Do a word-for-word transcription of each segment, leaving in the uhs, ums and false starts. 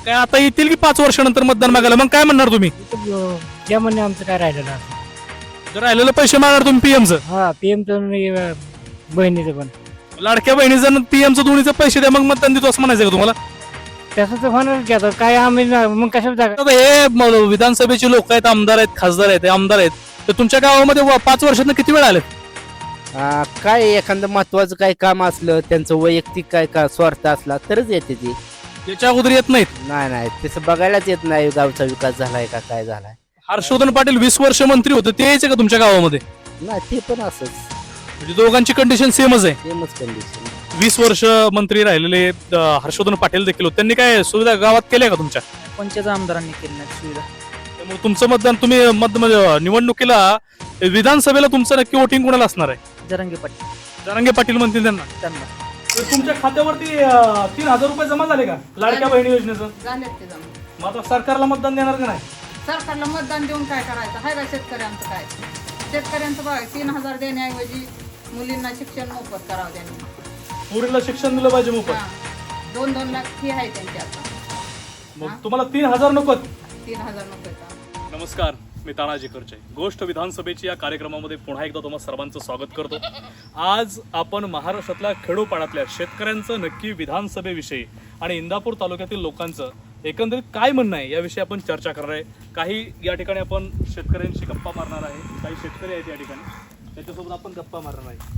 काय आता येतील की पाच वर्षानंतर मतदान मागायला, मग काय म्हणणार तुम्ही? त्या म्हणणे आमचं काय राहिलं ना. जर राहिलेलं पैसे मागणार तुम्ही पीएमचं, हा पीएमचं बहिणीचं पण लाडक्या बहिणीचं पीएमचं दोन्हीचं पैसे द्या मग मतदान देतो असं म्हणायचं का तुम्हाला? तसं तर होणार की आता काय आम्ही ना- मग कशाला जागा. आता हे म- विधानसभेचे लोक आहेत, आमदार आहेत, खासदार आहेत, हे आमदार आहेत, तर तुमच्या गावामध्ये व- पाच वर्षात किती वेळ आलेत? आ, काय एखादं महत्वाचं काय काम असलं त्यांचं वैयक्तिक काय का स्वार्थ असला तरच येते ती. त्याच्या अगोदर येत नाहीत. नाही नाही तसं बघायलाच येत नाही गावचा विकास झालाय का काय झालाय. हर्षवर्धन पाटील वीस वर्ष मंत्री होते, ते यायचे का तुमच्या गावामध्ये? नाही ते पण असंच म्हणजे दोघांची कंडिशन सेमच आहे. सेमच कंडिशन. वीस वर्ष मंत्री राहिलेले अं, हर्षवर्धन पाटील देखील होते, त्यांनी काय सुविधा गावात केल्या का तुमच्या? पंचायत आमदारांनी केली नाही सुविधा. त्यामुळे तुमचं मतदान तुम्ही मत म्हणजे निवडणुकीला विधानसभेला तुमचं नक्की वोटिंग कोणाला असणार आहे? जरांगे पाटील जरांगे पाटील म्हणतील त्यांना. त्यांना तुमच्या खात्यावरती तीन हजार रुपये जमा झाले का लाडक्या बहिणी योजनेचं? झालेत ते जमा. मग आता सरकारला मतदान देणार का नाही? सरकारला मतदान देऊन काय करायचं हाय का शेतकऱ्यांचं काय? शेतकऱ्यांचं बघा तीन हजार देण्याऐवजी मुलींना शिक्षण मोफत करावं त्यांनी. पोरीला शिक्षण दिलं पाहिजे मोफत. हा. दोन दोन लाख फी आहे त्यांची आता. मग तुम्हाला तीन हजार नको? तीन हजार नको. नमस्कार, मी तानाजी करचे. गोष्ट विधानसभेची या कार्यक्रमामध्ये पुन्हा एकदा तुम्हाला सर्वांचं स्वागत करतो. आज आपण महाराष्ट्रातल्या खेडोपाड्यातल्या शेतकऱ्यांचं नक्की विधानसभेविषयी आणि इंदापूर तालुक्यातील लोकांचं एकंदरीत काय म्हणणं आहे याविषयी आपण चर्चा करणार आहे. काही या ठिकाणी आपण शेतकऱ्यांशी गप्पा मारणार आहे, काही शेतकरी आहेत या ठिकाणी, त्याच्यासोबत आपण गप्पा मारणार आहे.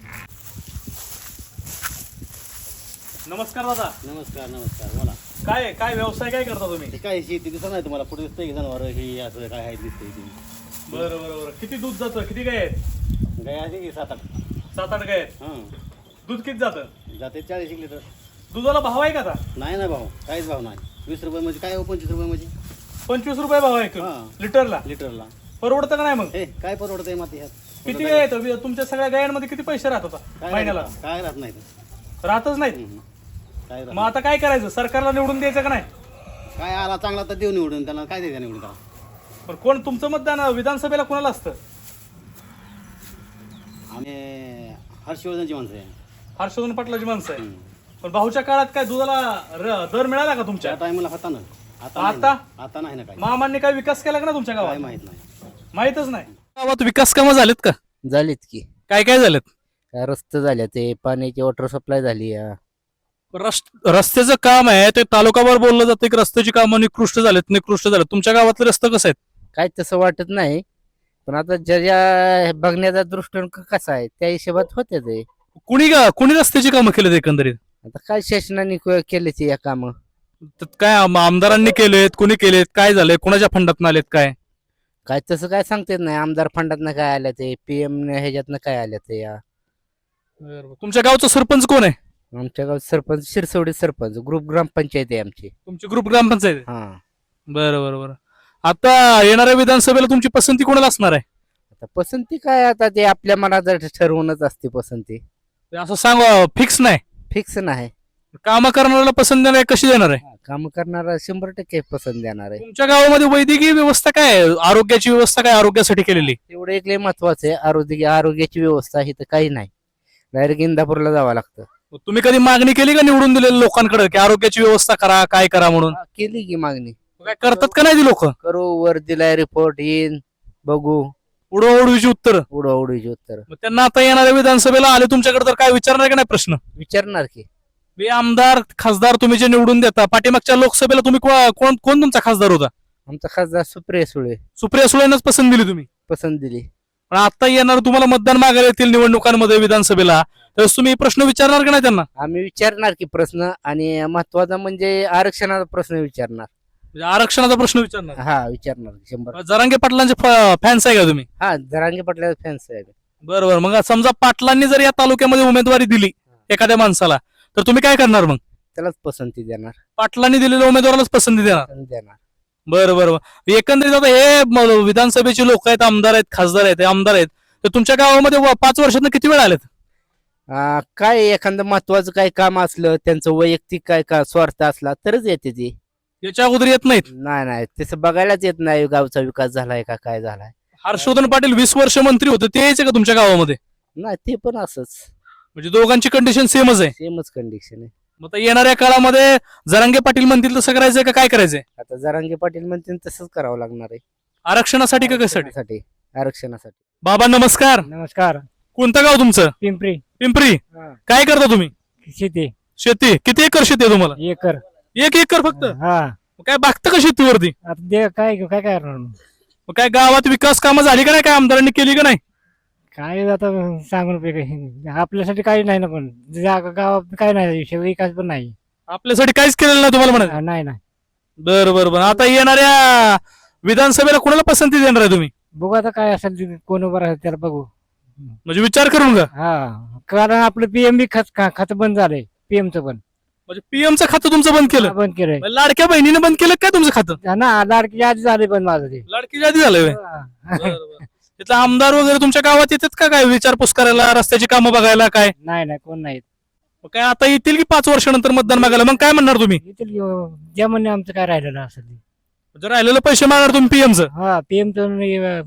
नमस्कार दादा. नमस्कार नमस्कार बोला. काय काय व्यवसाय काय करता तुम्ही? ते काय शेती दिसत नाही तुम्हाला पुढे दिसतंय जनावर हे असं काय आहे दिसतंय ती. बरं बरं बरं. किती दूध जातं? किती गाय आहेत? गाय आहे की सात आठ. सात आठ गाय आहेत. हां दूध किती जातं? जाते चाळीस एक लिटर. दुधाला भाव आहे का आता? नाही ना भाऊ काहीच भाव नाही. वीस रुपये म्हणजे काय हो पंचवीस रुपये म्हणजे पंचवीस रुपये भाव आहे हां. लिटरला. लिटरला. परवडतं का नाही मग? हे काय परवडतंय माती ह्यात? किती गाय आहेत तुमच्या सगळ्या गायांमध्ये? किती पैसे राहत होता काय महिन्याला? राहत- काय राहत नाही ते. राहतच नाहीत. हम्म. काय राहत मग आता काय करायचं? सरकारला निवडून द्यायचं का नाही? काय आला चांगला तर देऊ निवडून त्यांना काय द्यायचं निवडून त्याला. पण कोण तुमचं मतदान विधानसभेला कोणाला असतं? आम्ही हर्षवर्धनची माणसं आहे. हर्षवर्धन पाटलाची माणसं आहे. हम्म. पण भाऊच्या काळात काय दुधाला र- दर मिळाला का तुमच्या? त्या टायमाला होता ना. आता नाही आता? ना. आता नाही ना काय. महामान्य काय विकास केला का ना तुमच्या काय गावात? माहित नाही. माहितच नाही. गावात विकास कामं झालेत का? झालीत की काय काय झालेत? काय रस्ते झाले ते पाण्याची वॉटर सप्लाय झाली आहे. रस्त- रस्त्याचं काम आहे ते तालुकावर बोललं जातं की रस्त्याची कामं निकृष्ट झालेत निकृष्ट झालेत. तुमच्या गावातले रस्ते कसं आहेत? काय तसं वाटत नाही पण आता ज्या ज्या बघण्याचा दृष्टिकोन क- कसा आहे त्या हिशोबात होते ते. कुणी गा- कुणी रस्त्याची कामं केलेत एकंदरीत? आता काय शासनाने क- केले ते या काम. तर काय आम- आमदारांनी केलेत, कुणी केलेत, काय झालंय, कुणाच्या फंडात आलेत काय? काय तसं काय सांगता येत नाही. आमदार फंडातनं काय आलं ते पीएम ह्याच्यातनं काय आलं ते या. तुमच्या गावचा सरपंच कोण आहे? आमच्या गावात सरपंच शिरसवडी सरपंच ग्रुप ग्रामपंचायत आहे आमची. तुमची ग्रुप ग्रामपंचायत आहे? हा बरं बरं बरं. आता येणाऱ्या विधानसभेला तुमची पसंती कोणाला असणार आहे? आता पसंती काय आता ते आपल्या मनात ठरवूनच असते पसंती. असं सांग, फिक्स नाही. फिक्स नाही. कामं करणाऱ्याला पसंत देणार आहे, कशी देणार आहे? काम करणारा शंभर टक्के पसंत देणार आहे. तुमच्या गावामध्ये वैद्यकीय व्यवस्था काय आहे? आरोग्याची व्यवस्था काय आरोग्यासाठी केलेली? तेवढं एक लय महत्वाचं आहे. आरोग्य आरोग्याची व्यवस्था ही तर काही नाही. डायरेक्ट इंदापूरला जावं लागतं. तुम्ही कधी मागणी केली का निवडून दिलेल्या लोकांकडे की आरोग्याची व्यवस्था करा, काय करा म्हणून? हा, केली की मागणी. काय करतात का नाही ती लोक? करू वर दिलाय रिपोर्ट येईन बघू उडवाउडवीची उत्तर. उडवाउडीची उत्तर मग त्यांना आता येणाऱ्या विधानसभेला आले तुमच्याकडे तर काय विचारणार का नाही प्रश्न? विचारणार की. हे आमदार खासदार तुम्ही जे निवडून देता, पाठीमागच्या लोकसभेला तुम्ही को- कोण कोण तुमचा खासदार होता? आमचा खासदार सुप्रिया सुळे सुप्रिया सुळेंनाच पसंत दिली तुम्ही. पसंत दिली. पण आता येणार तुम्हाला मतदान मागायला येतील निवडणुकांमध्ये विधानसभेला, तर तुम्ही प्रश्न विचारणार का नाही त्यांना? आम्ही विचारणार की प्रश्न आणि महत्वाचा म्हणजे आरक्षणाचा प्रश्न विचारणार. म्हणजे आरक्षणाचा प्रश्न विचारणार. हा विचारणार शंभर. जरांगे पाटलांचे फॅन्स आहे का तुम्ही? हा जरांगे पाटला फॅन्स आहे. बरं बरं. मग समजा पाटलांनी जर या तालुक्यामध्ये उमेदवारी दिली एखाद्या माणसाला, तर तुम्ही काय करणार मग? त्यालाच पसंती देणार. पाटलांनी दिलेल्या उमेदवारालाच पसंती देणार? पसंत देणार. बरं बरं बरं. एकंदरीत आता हे म- विधानसभेचे लोक आहेत, आमदार आहेत, खासदार आहेत, हे आमदार आहेत, तर तुमच्या गावामध्ये व- पाच वर्षात किती वेळ आलेत? आ, काय एखादं महत्वाचं काय काम असलं त्यांचं वैयक्तिक काय का स्वार्थ असला तरच येते ती. याच्या अगोदर येत नाहीत. नाही नाही तसं बघायलाच येत नाही गावचा विकास झालाय का काय झालाय. हर्षवर्धन पाटील वीस वर्ष मंत्री होते, ते यायचे का तुमच्या गावामध्ये? नाही ते पण असंच म्हणजे दोघांची कंडिशन सेमच आहे. सेमच कंडिशन आहे. मग आता येणाऱ्या काळामध्ये जरांगे पाटील म्हणतील तसं करायचंय का काय करायचंय? आता जरांगे पाटील म्हणतील तसंच करावं लागणार आहे. आरक्षणासाठी का कशासाठी? आरक्षणासाठी आरक्षणासाठी. बाबा नमस्कार. नमस्कार. कोणतं गाव तुमचं? पिंपरी. पिंपरी. हा. काय करता तुम्ही? शेती शेती. किती एकर शेती आहे तुम्हाला? एकर. एक एकर फक्त? हा. मग काय बागतं का शेतीवरती? आता दे काय काय काय करणार मग? मग काय गावात विकास कामं झाली का नाही? काय आमदारांनी केली का नाही? काय आता सांगून उपयोग आहे? आपल्यासाठी काही नाही ना, पण जागा गावात काय नाही, विषय विकास पण नाही. आपल्यासाठी काहीच केलेलं नाही तुम्हाला म्हणा? हा, नाही नाही. बरं बरं बरं. आता येणाऱ्या विधानसभेला कोणाला पसंती देणार आहे तुम्ही? बघू आता काय असेल ते, कोण उभं राहतं त्याला बघू. म्हणजे विचार करून का? हा, कारण आपलं पीएम बी खत खातं बंद झालंय. पीएमचं पण म्हणजे पीएमचं खातं तुमचं बंद केलं? हा, बंद केलंय. म्हणजे लाडक्या बहिणीने बंद केलं काय तुमचं खातं? हा ना, लाडकी यादी झाली पण माझं ते. लाडकी यादी झालंय होय? हा. बरं, बरं. तिथलं आमदार वगैरे तुमच्या गावात येतात का काय विचारपूस करायला, रस्त्याची कामं बघायला काय? नाही नाही, कोण नाही. मग काय आता येतील की पाच वर्षानंतर मतदान मागायला? मग काय म्हणणार तुम्ही? येतील की, ज्या म्हणणे आमचं काय राहिलेलं असेल ते. म्हणजे राहिलेलं पैसे मागणार तुम्ही पीएमचं? हा, पीएमचं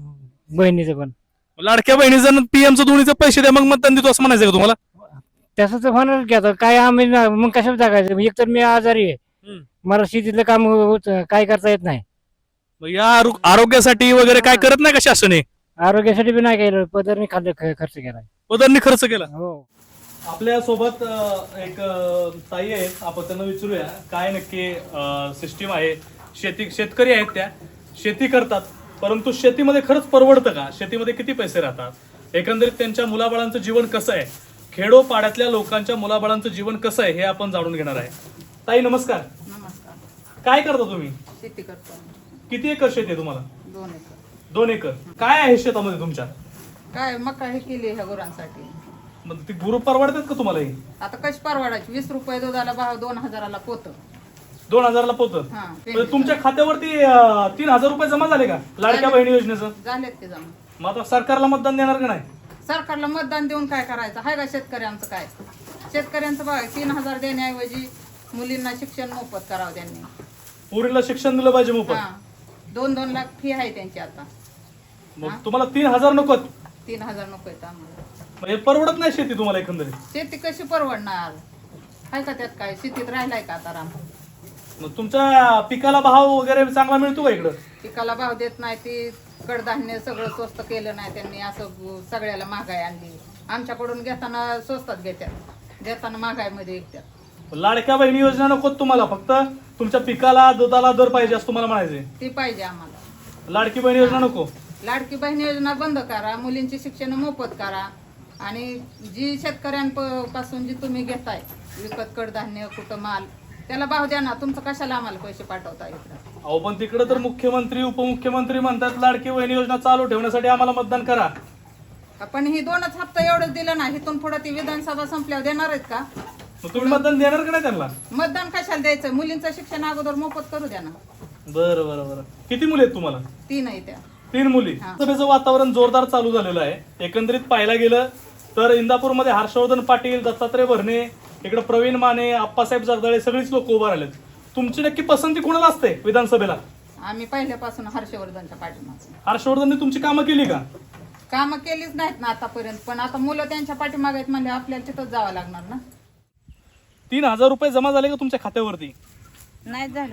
बहिणीचं पण. लाडक्या बहिणीचं पीएमचं दोन्हीचं पैसे द्या मग मतदान देतो असं म्हणायचं का तुम्हाला? तसं तर होणार की, आता काय आम्ही ना- मग कशाला जगायचं? एक तर मी आजारी आहे. हम्म. मला शेतीतलं काम होत काय करता येत नाही. मग या आरो- आरोग्यासाठी वगैरे काय करत नाही का शासन? हे आरोग्यासाठी बी नाही केलं, पदरने खाल्लं ख- खर्च केलाय. पदांनी खर्च केला. हो. आपल्या सोबत एक ताई आहेत, आपण त्यांना विचारूया काय नक्की सिस्टीम आहे. शेती शेतकरी आहेत, त्या शेती करतात, परंतु शेतीमध्ये खरंच परवडतं का? शेतीमध्ये किती पैसे राहतात? एकंदरीत त्यांच्या मुलाबाळांचं जीवन कसं आहे? खेडोपाड्यातल्या लोकांच्या मुलाबाळांचं जीवन कसं आहे हे आपण जाणून घेणार आहे. ताई नमस्कार. नमस्कार. काय करता तुम्ही? शेती करतो. किती एकर शेती आहे तुम्हाला? दोन एकर. दोन एकर. काय आहे शेतामध्ये तुमच्या? काय मका हे केली ह्या गुरांसाठी. मग ती गुरु परवडतात का तुम्हाला? ही आता कशी परवडायची? वीस रुपये दुधाला भाव, दोन हजाराला पोत. दोन हजारला पोतं? हा, म्हणजे तुमच्या खात्यावरती अं, तीन हजार रुपये जमा झाले का लाडक्या झाले. बहिणी योजनेचं? झालेत ते जमा. मग आता सरकारला मतदान देणार का नाही? सरकारला मतदान देऊन काय करायचं? हाय का शेतकऱ्यांचं काय? शेतकऱ्यांचं बघा, तीन हजार देण्याऐवजी मुलींना शिक्षण मोफत करावं त्यांनी. पोरीला शिक्षण दिलं पाहिजे मोफत. हा, दोन दोन लाख फी आहे त्यांची आता. मग तुम्हाला तीन हजार नको? तीन हजार नको आहेत आम्हाला. म्हणजे परवडत नाही शेती तुम्हाला एकंदरीत? शेती कशी परवडणार? हाय का त्यात काय? शेतीत राहिलाय का आता राम? मग तुमच्या पिकाला भाव वगैरे चांगला मिळतो का इकडं? पिकाला भाव देत नाही, ती कडधान्य सगळं स्वस्त केलं नाही त्यांनी, असं सगळ्याला महागाई आणली. आमच्याकडून घेताना स्वस्तात घेतात, देताना महागाईमध्ये विकतात. लाडक्या बहिणी योजना नको तुम्हाला? फक्त तुमच्या पिकाला दुधाला दर पाहिजे असं तुम्हाला म्हणायचंय? ती पाहिजे आम्हाला. लाडकी बहिणी योजना नको? लाडकी बहीण योजना बंद करा, मुलींची शिक्षण मोफत करा, आणि जी शेतकऱ्यांपासून जी तुम्ही घेताय विकत कडधान्य कुठं माल, त्याला भाव द्या ना. तुमचं कशाला आम्हाला पैसे पाठवता इकडं? अहो पण तिकडे तर मुख्यमंत्री उपमुख्यमंत्री म्हणतात लाडकी बहिणी योजना चालू ठेवण्यासाठी आम्हाला मतदान करा. पण ही दोनच हप्ता एवढंच दिलं ना, इथून पुढे ती विधानसभा संपल्यावर देणार आहेत का? मग तुम्ही मतदान देणार का नाही त्यांना? मतदान कशाला द्यायचं? मुलींचं शिक्षण अगोदर मोफत करू द्या ना. बरं बरं बरं. किती मुली आहेत तुम्हाला? तीन आहे त्या. तीन मुली. हा. सभेचं वातावरण जोरदार चालू झालेलं आहे. एकंदरीत पाहायला गेलं तर इंदापूरमध्ये हर्षवर्धन पाटील, दत्तात्रय भरणे, इकडे प्रवीण माने, आप्पासाहेब जगदाळे सगळीच लोक उभा राहिलेत. तुमची नक्की पसंती कोणाला असते विधानसभेला? आम्ही पहिल्यापासून हर्षवर्धनच्या पाठीमागे. हर्षवर्धनने तुमची कामं केली का? कामं केलीच नाहीत ना आतापर्यंत, पण आता मुलं त्यांच्या पाठीमागे आहेत म्हणजे आपल्याला तिथंच जावं लागणार ना. तीन हजार रुपये जमा झाले का तुमच्या खात्यावरती? नाही झालं.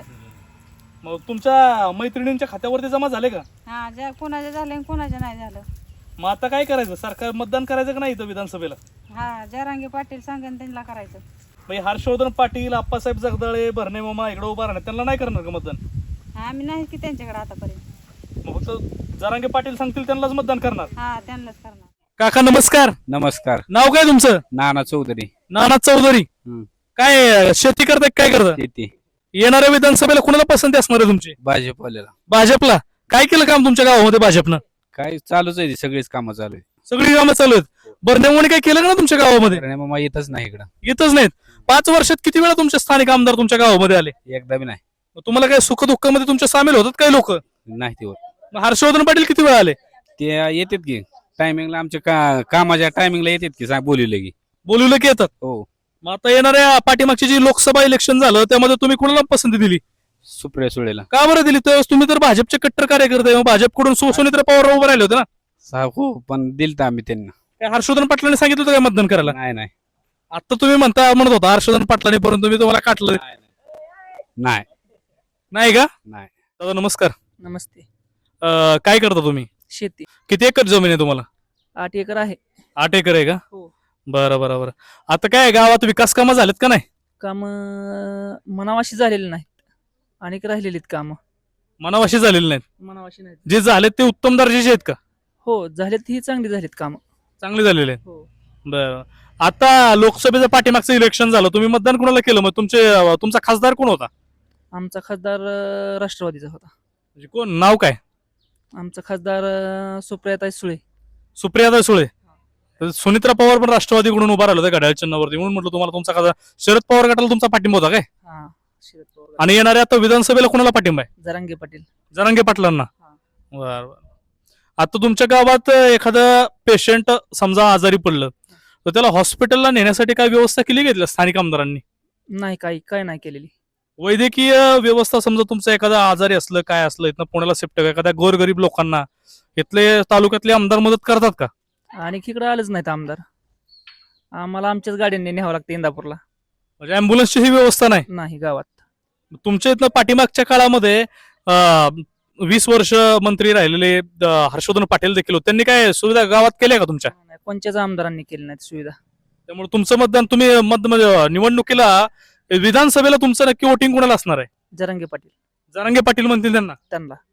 मग तुमच्या मैत्रिणींच्या खात्यावरती जमा झाले का? हा, ज्या कोणाच्या झालं आणि कोणाच्या नाही झालं. मग आता काय करायचं? सरकार मतदान करायचं का नाही इथं विधानसभेला? हा, जरांगे पाटील सांगेन त्यांना करायचं. म्हणजे हर्षवर्धन पाटील, आप्पासाहेब जगदाळे, भरणे मामा इकडे उभा राहणार, त्यांना नाही करणार का मतदान? हा, आम्ही नाही की त्यांच्याकडे आतापर्यंत. मग फक्त जरांगे पाटील सांगतील त्यांनाच मतदान करणार. हा, त्यांनाच करणार. काका नमस्कार. नमस्कार. नाव काय तुमचं? नाना चौधरी. नाना चौधरी. हम्म. काय शेती करताय काय करता? शेती. येणाऱ्या विधानसभेला कुणाला पसंती असणार आहे तुमची? भाजपवाल्याला. भाजपला. काय केलं काम तुमच्या गावामध्ये भाजपनं? काय चालूच आहे, सगळीच कामं चालू आहे. सगळी कामं चालू आहेत. बर्नेमुळे काय केलं का ना तुमच्या गावामध्ये? आणि मग येतच नाही इकडं. येतच नाहीत. पाच वर्षात किती वेळा तुमचे स्थानिक आमदार तुमच्या गावामध्ये आले? एकदा बी नाही. मग तुम्हाला काय सुख दुःखामध्ये तुमच्या सामील होतात काही लोक? नाही ते होत. मग हर्षवर्धन पाटील किती वेळा आले? ते येतात की टायमिंगला, आमच्या का कामाच्या टायमिंगला येतात की सांग बोलवले की. बोलवलं की येतात. हो. मग आता येणाऱ्या पाठीमागची जी लोकसभा इलेक्शन झालं त्यामध्ये तुम्ही कुणाला पसंती दिली? सुप्रिया सुळेला. का बरं दिली? त्यावेळेस तुम्ही तर भाजपचे कट्टर कार्यकर्ते आहे. मग भाजपकडून सुनीत्रा पवार उभे राहिले होते ना? सा हो, पण दिलत आम्ही त्यांना. काय हर्षवर्धन पाटलांनी सांगितलं होतं काय मतदान करायला? नाही नाही. आता तुम्ही म्हणता म्हणत होता हर्षवर्धन पाटलांनी, परंतु मी तुम्हाला काटलं नाही नाही का? नाही. दादा नमस्कार. नमस्ते. अं, काय करता तुम्ही? शेती किती एकर जमीन आहे तुम्हाला? आठ एकर आहे. आठ एकर आहे का? हो. बरं बरं बरं. आता काय गावात विकास कामं झालेत का नाही? काम मनावाशी झालेली नाहीत, अनेक राहिलेलीत काम मनावाशी झालेली नाहीत. मनावाशी नाहीत. जे झालेत ते उत्तम दर्जाचे आहेत का? हो झालेत, ही चांगली झालीत काम. चांगले झालेले आहेत. हो. बरं. आता लोकसभेचं पाठीमागचं इलेक्शन झालं, तुम्ही मतदान कोणाला केलं? मग तुमचे तुमचा खासदार कोण होता? आमचा खासदार अं, राष्ट्रवादीचा होता. म्हणजे कोण, नाव काय? आमचा खासदार अं, सुप्रियाताई सुळे. सुप्रियादा सुळे. तर सुनित्रा पवार पण राष्ट्रवादीकडून उभा राहिलं होतं घड्याळ चिन्हावरती, म्हणून म्हटलं तुम्हाला तुमचा खासदार. शरद पवार गटाला तुमचा पाठिंबा होता काय? हा शरद पवार. आणि येणाऱ्या आता विधानसभेला कोणाला पाठिंबा आहे? जरांगे पाटील. जरांगे पाटलांना. हा. बर बर. आता तुमच्या गावात एखादं पेशंट समजा आजारी पडलं तर त्याला हॉस्पिटलला नेण्यासाठी काय व्यवस्था केली घेतल्या स्थानिक आमदारांनी? नाही, काही काय नाही केलेली. वैद्यकीय व्यवस्था समजा तुमचं एखादा आजारी असलं काय असलं इथनं पुण्याला शिफ्ट एखाद्या गोरगरीब लोकांना इथले तालुक्यातले आमदार मदत करतात का? आणि इकडे आलंच नाहीत आमदार. आम्हाला आमच्याच गाड्यांनी न्यावं लागतं इंदापूरला. म्हणजे अँब्युलन्सची ही व्यवस्था नाही नाही गावात. तुमच्या इथनं? पाठीमागच्या काळामध्ये अं, वीस वर्ष मंत्री राहिलेले अं, हर्षवर्धन पाटील देखील होते, त्यांनी काय सुविधा गावात केल्या का तुमच्या? नाही, कोणत्याच आमदारांनी केली नाहीत सुविधा. त्यामुळे तुमचं मतदान तुम्ही मत म्हणजे निवडणुकीला विधानसभेला तुमचं नक्की वोटिंग कोणाला असणार आहे? जरांगे पाटील जरांगे पाटील म्हणतील त्यांना. त्यांना.